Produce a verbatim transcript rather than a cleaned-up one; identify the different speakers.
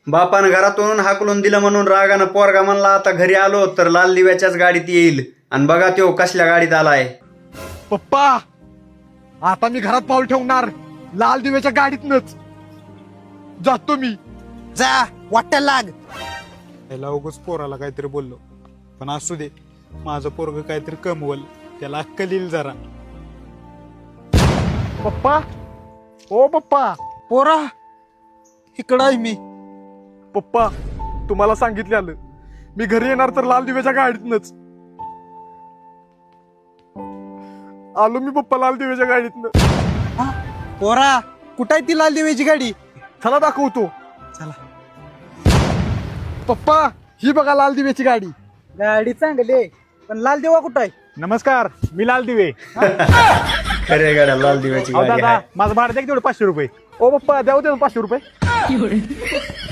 Speaker 1: बापानं घरातून हाकलून दिलं म्हणून रागानं पोरगा म्हणला आता घरी आलो तर लाल दिव्याच्याच गाडीत येईल. आणि बघा त्यो कसल्या गाडीत आलाय.
Speaker 2: पप्पा आता मी घरात पाऊल ठेवणार लाल दिव्याच्या गाडीतनच जातो मी.
Speaker 3: जा वाटायला लाग.
Speaker 4: त्याला उगच पोराला काहीतरी बोललो, पण असू दे, माझं पोरग काहीतरी कमवल, त्याला अक्कल येईल जरा.
Speaker 2: पप्पा ओ पप्पा.
Speaker 3: पोरा इकडं आहे मी.
Speaker 2: पप्पा तुम्हाला सांगितलेलं मी घरी येणार तर लाल दिव्याच्या गाडीतनच आलो मी. पप्पा लाल दिव्याच्या गाडीतनं.
Speaker 3: पोरा कुठं आहे ती लाल दिव्याची गाडी?
Speaker 2: चला दाखवतो.
Speaker 3: चला.
Speaker 2: पप्पा ही बघा लाल दिव्याची गाडी.
Speaker 3: गाडी चांगली आहे पण लाल दिवा कुठं आहे?
Speaker 4: नमस्कार, मी लाल दिवे.
Speaker 1: खऱ्या गाड्या लाल दिव्याची
Speaker 4: अहो
Speaker 1: गाडी
Speaker 4: दादा,
Speaker 1: आहे.
Speaker 4: माझं भाडं द्या की तेवढं पाचशे रुपये.
Speaker 2: ओ पप्पा द्याव दे पाचशे रुपये.